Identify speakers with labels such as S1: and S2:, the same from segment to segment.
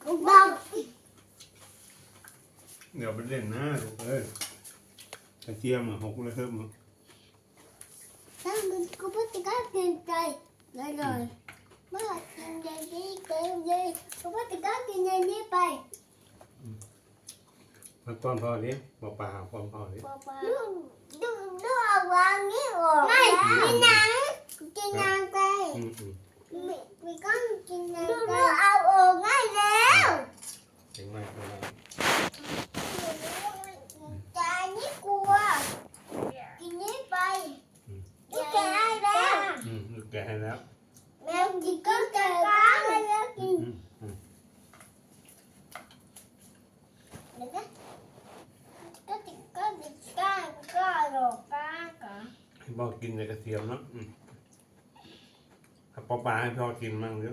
S1: เดี๋ยวไปเล่นหน้าลูกเอ้ยกระเทียมหกเลยเพิ่มมั้ง
S2: ถ้ามันก็ไม่ได้กินใจเลยเมื่อกินใจนี้เกินเลยก็ไม่ได้กินใจนี้ไป
S1: มาป้อนพ่อดิบอกป่าป้อนพ่อดิ
S2: ดูเอาวางนี้ออกไม่กินหนังกินหนังไปมีก้อนกินหนังดูเอาออกง่ายแล้ว
S1: เก่งมากเลย
S2: ใจนี่กลัวกินนี้ไปลูกแกให้แล้ว
S1: ลูกแกให้แล้ว
S2: แมวกินก็แกก้างแล้วกินก็ติดก็ติดก้างก็หลอกก้างก็
S1: ให้พ่อกินในกระเทียมเนาะถ้าปลาให้พ่อกินมั่งเดี๋ยว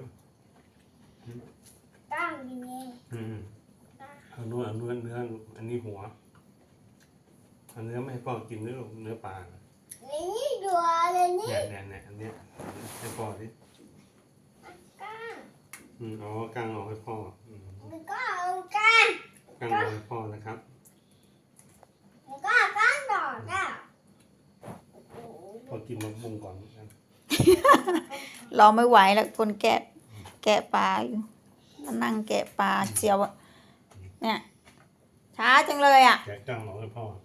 S2: ก้างยังไง
S1: เอาเนื้ออันนี้หัวเอาเนื้อไม่ให้พ่อกินเนื้อปลา
S2: นี่ดูอะไรนี่
S1: เนี่ยอันนี้ให้พ่อดิ
S2: ก้าง
S1: อ๋อกางออกให้พ่อ
S2: ก็เอาก้าง
S1: ออกให้พ่อนะครับ
S2: ก็ก้างดอกอ่ะ
S1: พอกินมะม่วงก่อนกัน
S3: รอไม่ไหวแล้วคนแกะปลาอยู่นั่งแกะปลาเจียวเนี่ยช้าจังเลยอ่ะ
S1: แกะกางออกให้พ่อ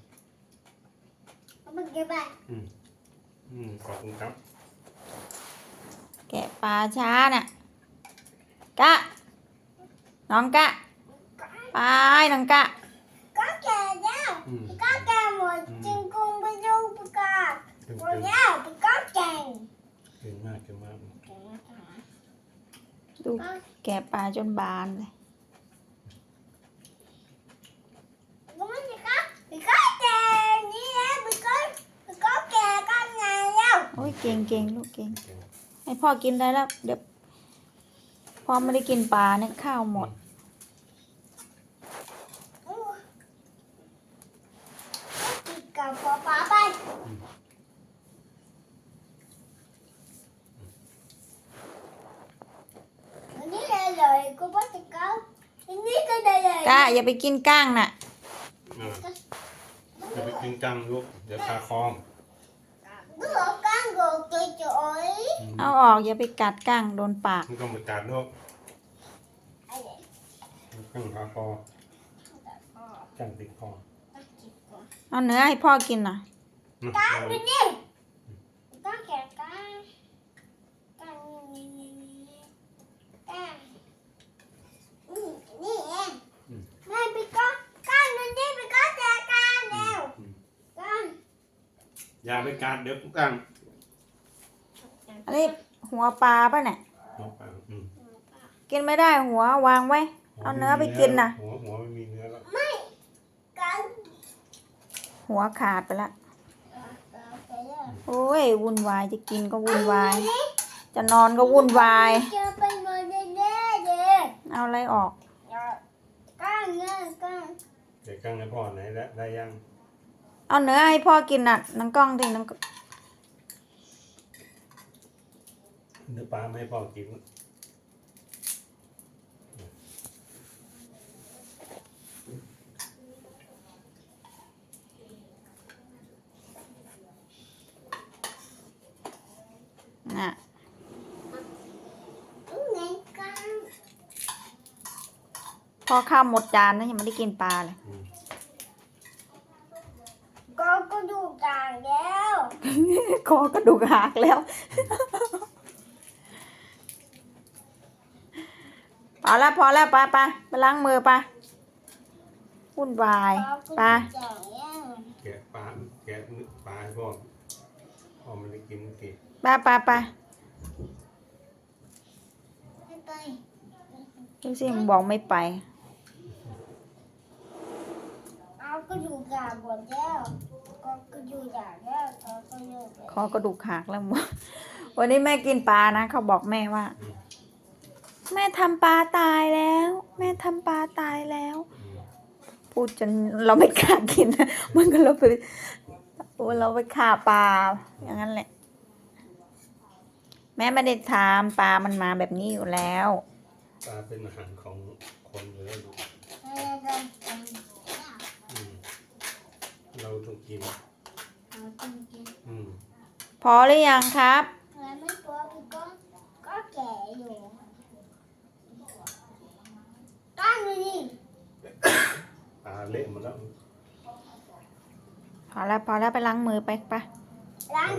S2: มันเก็บไป
S1: ขอบคุณครับ
S3: แกะปลาช้าน่ะกะน้องกะไปน้องกะ
S2: ก็แก่แล้วก็แก่หมดจึงคงไปดูประกาศหมดแล้วก็แก่
S1: เก่งมาก
S3: ดูแกะปลาจนบานเลย
S2: ก็ไม่ใช่ก็แก่นี่แหละก็แก่ก็ไงแล้ว
S3: โอ้ยเก่งลูกเก่งให้พ่อกินได้แล้วเดี๋ยวพ่อไม่ได้กินปลาเนี่ยข้าวหมด
S2: กับป๊าไปอันนี้เลยก็ไม่ติดเก้าอันนี้ก็ได้เลย
S3: กะอย่าไปกินก้างน่ะ
S1: อย่าไปกินกังลูกเดี๋ยวคาคอม
S2: ก็เอาก้างกดจ่อย
S3: เอาออกอย่าไปกัดก้างโดนปาก
S1: มันก็มากัดลูกกังคาคอกังติดคอ
S3: เอาเนื้อให้พ่อกินน่ะ
S2: ก้างดูนี่ก้างแก่ก้างนี่ก้างนี่เองไม่ไปก้างดูนี่ไปก้างแก่ก้างแล้วก้าง
S1: อย่าไปกัดเดี๋ยวกัง
S3: อันนี้หัวปลาป่ะเนี่ย
S1: หัวปลา
S3: กินไม่ได้หัววางไว้เอาเนื้อไปกินน่ะ
S1: หัวไม่มีเนื้อแล้ว
S2: ไม่ก้าง
S3: หัวขาดไปละโอ้ยวุ่นวายจะกินก็วุ่นวายจะนอนก็วุ่นวาย
S2: จะไปนอนแน่ๆเลย
S3: เอาอะไรออก
S2: ก้างเนี่ยก้าง
S1: เดี๋ยวกังให้พ่อไหนได้ยัง
S3: เอาเนื้อให้พ่อกินน่ะน้องกล้องดิน้อง
S1: เนื้อปลาไม่ให้พ่อกิน
S3: น่ะพอข้าวหมดจานนะยังไม่ได้กินปลาเลย
S2: ก็ดูกลางแล้ว
S3: คอกระดูกหักแล้วพอแล้วไปล้างมือไปวุ่นวายไป
S1: แกะปลาให้พ่อไม่ได้กินเมื่อกี้
S3: ไปดูสิมึงบอกไม่ไป
S2: เอาก็ดูกลางหมดแล้วก็ดูกลางแล้ว
S3: คอกระดูกหักแล้ววันนี้แม่กินปลานะเขาบอกแม่ว่าแม่ทำปลาตายแล้วพูดจนเราไม่กล้ากินมันก็เราไปฆ่าปลาอย่างนั้นแหละแม่ไม่ได้ทำปลามันมาแบบนี้อยู่แล้ว
S1: ปลาเป็นอาหารของคนอยู่แล้วลูกเราต้องกินอืม
S3: พอหรือยังครับ
S2: แล้วไม่ตัวพี่ก็แก่อยู่ก้านดูดิ
S1: ปลาเละหมดแล้ว
S3: พอแล้วไปล้างมือไป
S2: ล้าง